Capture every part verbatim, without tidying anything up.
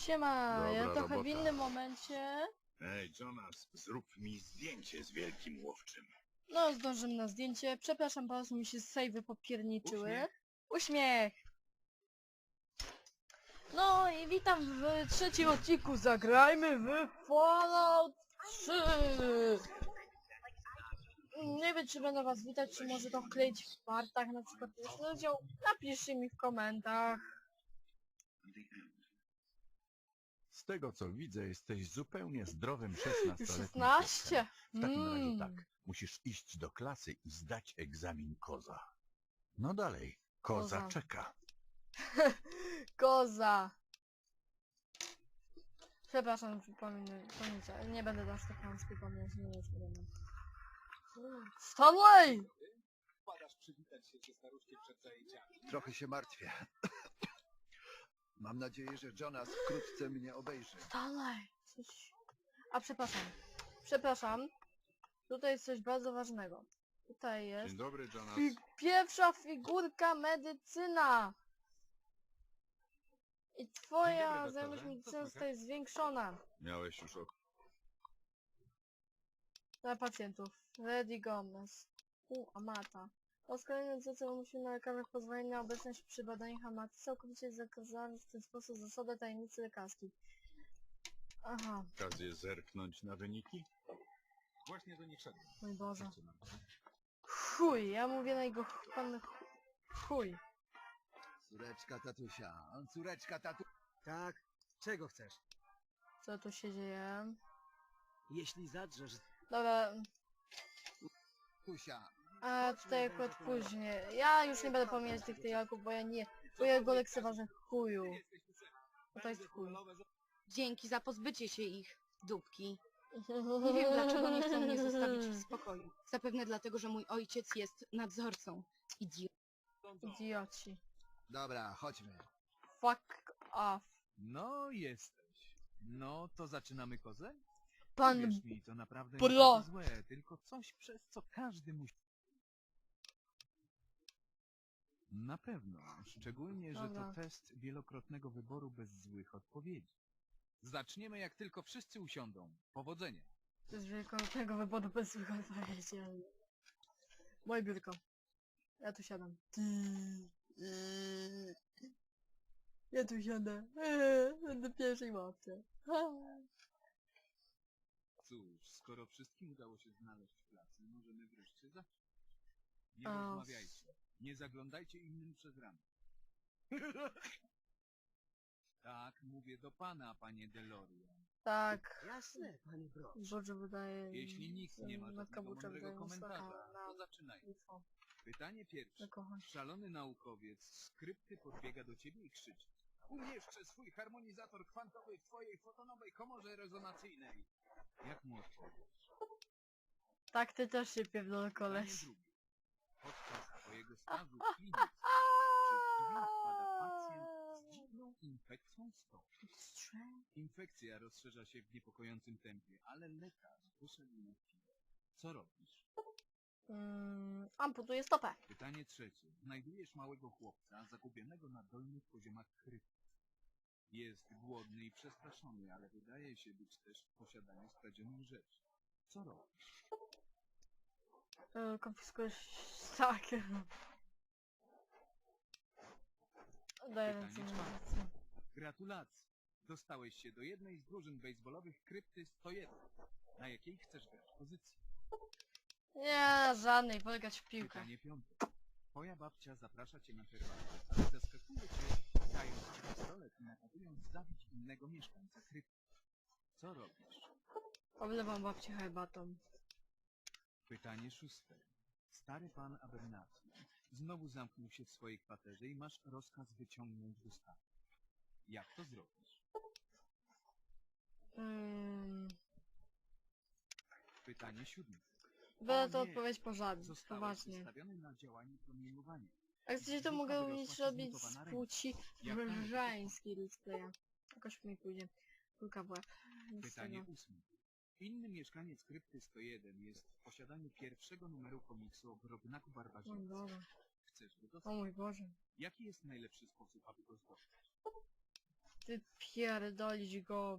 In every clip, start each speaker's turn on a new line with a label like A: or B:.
A: Siema,
B: Dobra
A: ja trochę
B: robota.
A: w innym momencie.
B: Ej, Jonas, zrób mi zdjęcie z wielkim łowczym.
A: No, zdążymy na zdjęcie. Przepraszam, bardzo mi się sejwy popierniczyły.
B: Uśmiech.
A: Uśmiech! No i witam w trzecim odcinku. Zagrajmy w Fallout trzy! Nie wiem, czy będę was witać, czy może to wkleić w partach, na przykład jest rozdział. Napiszcie mi w komentarzach.
B: Z tego co widzę, jesteś zupełnie zdrowym szesnastoletnim
A: szesnaście?
B: chłopcem. W takim razie
A: Mm.
B: tak, musisz iść do klasy i zdać egzamin koza. No dalej, koza,
A: Koza.
B: czeka.
A: Koza! Przepraszam, przypominam, pamiętaj, nie będę aż tak mam przypominać, nie jest problem. Stanley!
C: Wpadasz przywitać się ze staruszkiem przed zajęciami.
D: Trochę się martwię. Mam nadzieję, że Jonas wkrótce mnie obejrzy.
A: Stanley! Coś... A przepraszam, przepraszam, tutaj jest coś bardzo ważnego. Tutaj jest
B: Dzień dobry, Jonas.
A: fi pierwsza figurka medycyna! I twoja
C: doktorze.
A: znajomość
C: Co
A: medycyny
C: słychać?
A: zostaje zwiększona.
B: Miałeś już ok...
A: Dla pacjentów. Ready Gomez. U, Amata. Po kolejnym zleceniu musimy na lekarzach pozwolenie na obecność przy badaniach Amaty. Całkowicie zakazano w ten sposób zasadę tajemnicy lekarskiej. Aha,
B: okazję zerknąć na wyniki?
C: Właśnie do nich szedłem.
A: mój Boże.
C: Zaczynam.
A: Chuj, ja mówię na jego ch- pan ch- chuj.
D: Córeczka tatusia, córeczka tatu...
E: Tak, czego chcesz?
A: Co tu się dzieje?
E: Jeśli zadrzesz...
A: Dobra,
D: Tatusia.
A: a tutaj akurat później. Ja już nie będę pomijać tych tyjaków, bo ja nie... Bo ja go lekceważę chuju. Bo to jest chuj.
F: Dzięki za pozbycie się ich, dupki. Nie wiem, dlaczego nie chcą mnie zostawić w spokoju. Zapewne dlatego, że mój ojciec jest nadzorcą. Idiot.
A: Idioci.
D: Dobra, chodźmy.
A: Fuck off.
C: No jesteś. No to zaczynamy kozę?
A: Pan...
C: Wierz mi, to naprawdę
A: Bro.
C: nie takie złe, tylko coś przez co każdy musi... Na pewno, szczególnie, że
A: Dobra.
C: to test wielokrotnego wyboru bez złych odpowiedzi. Zaczniemy jak tylko wszyscy usiądą. Powodzenia.
A: To jest wielkoletnego wyboru bez złych odpowiedzi, ale... Moje biurko. Ja tu siadam. Ja tu siadę. Będę pierwszej łapce.
C: Cóż, skoro wszystkim udało się znaleźć w pracy, możemy wreszcie zacząć. Nie
A: O.
C: rozmawiajcie. Nie zaglądajcie innym przez ramię. Tak, mówię do pana, panie Delorian.
A: Tak.
E: Jasne, panie Brock.
A: Boże wydaje...
C: Jeśli nikt nie ma
A: Matka
C: żadnego
A: Bucza
C: mądrego
A: wydaje mi
C: komentarza,
A: słaka na
C: to zaczynajmy.
A: info.
C: Pytanie pierwsze.
A: Na kochać.
C: Szalony naukowiec z krypty podbiega do ciebie i krzyczy: umieszczę swój harmonizator kwantowy w twojej fotonowej komorze rezonacyjnej. Jak mu odpowiesz?
A: Tak, ty też się pierdolę,
C: Pytanie
A: koleś.
C: drugie. Podczas twojego stażu w klinice przy drzwi wpada pacjent z dziwną infekcją stopy. Infekcja rozszerza się w niepokojącym tempie, ale lekarz wyszedł na chwilę. Co robisz?
A: Mm, amputuję stopę.
C: Pytanie trzecie. Znajdujesz małego chłopca zagubionego na dolnych poziomach krypty. Jest głodny i przestraszony, ale wydaje się być też w posiadaniu skradzionych rzeczy. Co robisz?
A: Yy, konfiskujesz... Tak. Daję ręce
C: Pytanie
A: na
C: czwarte.
A: ręce.
C: Gratulacje! Dostałeś się do jednej z drużyn bejsbolowych krypty sto jeden. Na jakiej chcesz grać pozycji?
A: Nie, żadnej, polegać w piłkę.
C: Pytanie piąte. Twoja babcia zaprasza cię na herbatę, ale zaskakuje cię, dając ci pistolet i nakazując zabić innego mieszkańca krypty. Co robisz?
A: Oblewam babcię herbatą.
C: Pytanie szóste. Stary pan Abernathy znowu zamknął się w swojej kwaterze i masz rozkaz wyciągnąć go stamtąd. Jak to zrobisz?
A: Mm,
C: Pytanie siódme.
A: będę to
C: O nie,
A: odpowiedź pożadnie,
C: Zostałeś
A: poważnie.
C: wystawiony na działanie promieniowania.
A: A chcecie to mogę również robić z płci
C: Jak należy
A: żeńskiej let's playa. Jakoś mi pójdzie. Kulka w łeb. Nic z
C: Pytanie
A: tego.
C: ósme. Inny mieszkaniec krypty sto jeden jest w posiadaniu pierwszego numeru komiksu o Grobnaku
A: O mój
C: Barbarzyńcy.
A: Boże.
C: Chcesz go
A: O
C: dostać?
A: mój Boże.
C: Jaki jest najlepszy sposób, aby go zdobyć?
A: wypierdolić go.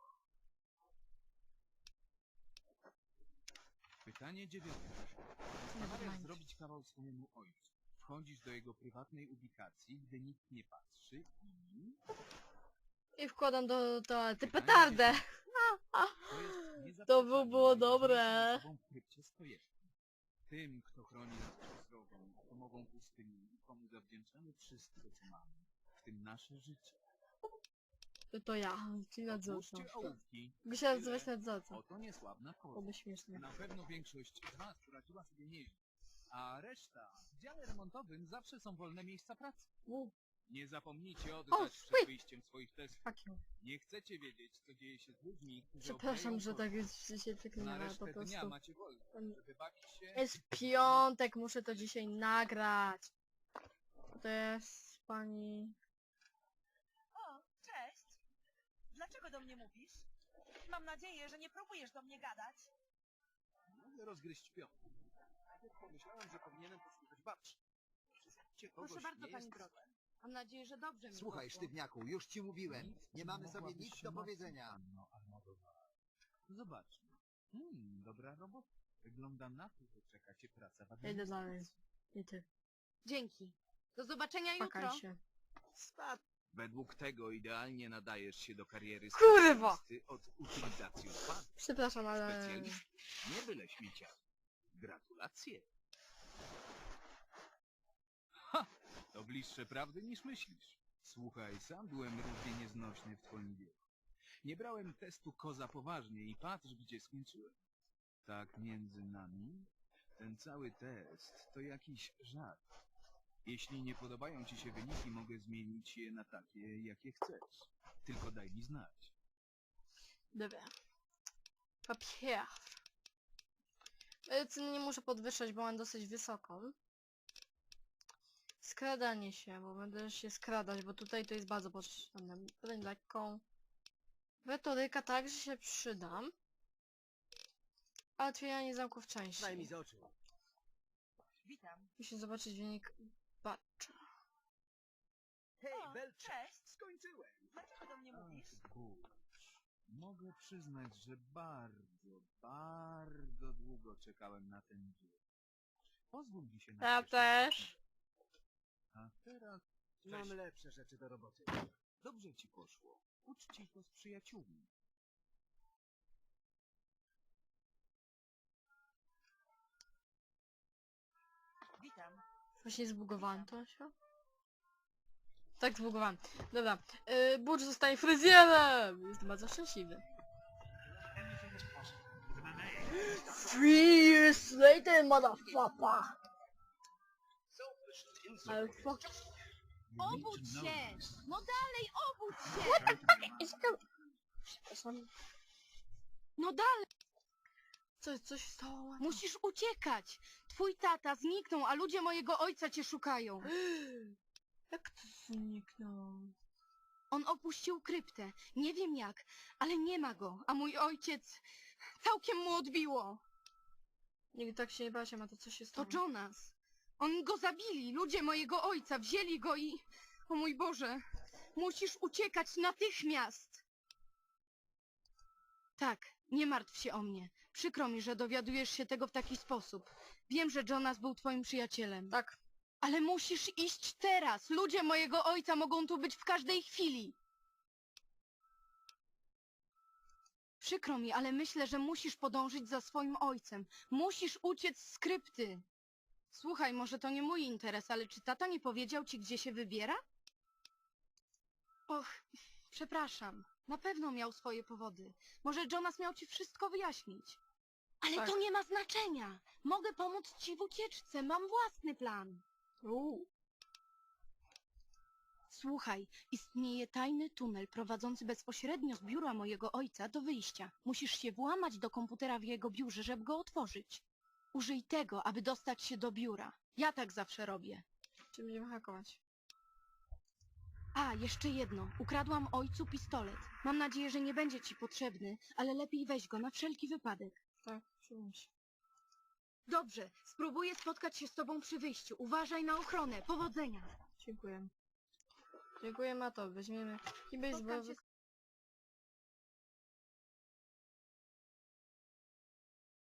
C: Pytanie dziewiąte. Postanawiasz zrobić kawał swojemu ojcu. Wchodzisz do jego prywatnej ubikacji, gdy nikt nie patrzy i...
A: I wkładam do toalety
C: Pytanie
A: petardę.
C: To jest
A: To by było
C: niezaprzeczalnie
A: dobre.
C: najważniejszą osobą w krypcie Stojewki. Tym, kto chroni nas przed drogą, pomogą pustyni, komu zawdzięczamy wszystko, co mamy, w tym nasze życie.
A: To ja, czyli nadzorca.
C: Odłóżcie ołówki.
A: Mogę się nazywać nadzorca.
C: Oto niesławna koza.
A: Byłoby śmiesznie.
C: Na pewno większość z was poradziła sobie nieźle. A reszta, w dziale remontowym zawsze są wolne miejsca pracy.
A: U,
C: Nie zapomnijcie
A: O,
C: oddać
A: sweet.
C: przed wyjściem swoich testów.
A: fuck you.
C: Nie chcecie wiedzieć, co dzieje się z ludźmi, którzy
A: Przepraszam,
C: obleją
A: że
C: kogoś.
A: tak jest się tak nie
C: Na
A: ma,
C: resztę
A: po
C: dnia
A: prostu.
C: macie wolne, żeby bawić się...
A: Jest piątek, muszę to dzisiaj nagrać. To jest pani...
G: O, cześć! Dlaczego do mnie mówisz? Mam nadzieję, że nie próbujesz do mnie gadać.
C: Mogę rozgryźć pion. Najpierw pomyślałem, że powinienem posłuchać babci. Wszystkie kogoś
F: Proszę bardzo,
C: nie
F: pani
C: jest
F: Brod. Mam nadzieję, że dobrze mi
D: Słuchaj,
F: poszło.
D: sztywniaku, już ci mówiłem.
C: Nic
D: Nie mamy
C: mogłabyś
D: sobie nic
C: się
D: do
C: martwić,
D: powiedzenia.
C: panno Almodovar. Zobaczmy. Hmm, dobra robota. Wygląda na to, że czeka cię praca w
A: Ja idę dalej.
C: administracji.
A: Nie ty.
F: Dzięki. Do zobaczenia jutro.
A: Pakaj się.
C: Według tego idealnie nadajesz się do kariery
A: Kurwa!
C: specjalisty od utylizacji odpadów.
A: Przepraszam, ale...
C: Specjalist, nie byle śmieciarz. Gratulacje. Ha! To bliższe prawdy niż myślisz. Słuchaj, sam byłem równie nieznośny w twoim wieku. Nie brałem testu koza poważnie i patrz, gdzie skończyłem. Tak między nami, ten cały test to jakiś żart. Jeśli nie podobają ci się wyniki, mogę zmienić je na takie, jakie chcesz. Tylko daj mi znać.
A: Dobra. Papier. Medycyny nie muszę podwyższać, bo mam dosyć wysoką. Skradanie się, bo będę się skradać, bo tutaj to jest bardzo potrzebne. Broń lekką. Retoryka także się przydam. A otwieranie zamków
E: Daj mi
A: częściej.
E: z oczu.
G: Witam.
A: Muszę zobaczyć wynik batcha.
E: Hej,
G: O,
E: Belcze!
G: cześć!
C: Skończyłem.
G: Dlaczego do mnie mówisz?
C: Ach, kurcz. Mogę przyznać, że bardzo, bardzo długo czekałem na ten dzień. Pozwól mi się na
A: Ja
C: cieszenie.
A: też.
C: A teraz
E: Mam
C: Cześć.
E: lepsze rzeczy do roboty.
C: dobrze ci poszło. Uczcij to z przyjaciółmi.
G: Witam.
A: Właśnie zbugowałem to się. Tak zbugowałem. Dobra. Yy, Butch zostaje fryzjerem! Jestem bardzo szczęśliwy. Three years later, motherfucker! Ale fuck.
F: Obudź się! No dalej, obudź się!
A: Przepraszam.
F: No dalej!
A: Coś, coś stało.
F: Musisz uciekać! Twój tata zniknął, a ludzie mojego ojca cię szukają.
A: Jak to zniknął?
F: On opuścił kryptę. Nie wiem jak, ale nie ma go. A mój ojciec... Całkiem mu odbiło.
A: Nigdy tak się nie bałem, a to co się
F: To
A: stało?
F: Jonas. Oni go zabili. Ludzie mojego ojca wzięli go i... O mój Boże. Musisz uciekać natychmiast. Tak, nie martw się o mnie. Przykro mi, że dowiadujesz się tego w taki sposób. Wiem, że Jonas był twoim przyjacielem.
A: Tak.
F: Ale musisz iść teraz. Ludzie mojego ojca mogą tu być w każdej chwili. Przykro mi, ale myślę, że musisz podążyć za swoim ojcem. Musisz uciec z krypty. Słuchaj, może to nie mój interes, ale czy tata nie powiedział ci, gdzie się wybiera? Och, przepraszam. Na pewno miał swoje powody. Może Jonas miał ci wszystko wyjaśnić. Ale
A: Tak.
F: to nie ma znaczenia. Mogę pomóc ci w ucieczce. Mam własny plan.
A: Uuu.
F: Słuchaj, istnieje tajny tunel prowadzący bezpośrednio z biura mojego ojca do wyjścia. Musisz się włamać do komputera w jego biurze, żeby go otworzyć. Użyj tego, aby dostać się do biura. Ja tak zawsze robię.
A: Czy będziemy hakować?
F: A, jeszcze jedno. Ukradłam ojcu pistolet. Mam nadzieję, że nie będzie ci potrzebny, ale lepiej weź go na wszelki wypadek.
A: Tak, przyjmę się.
F: Dobrze, spróbuję spotkać się z tobą przy wyjściu. Uważaj na ochronę. Powodzenia.
A: Dziękuję. Dziękuję, Mato. Weźmiemy kij baseballowy.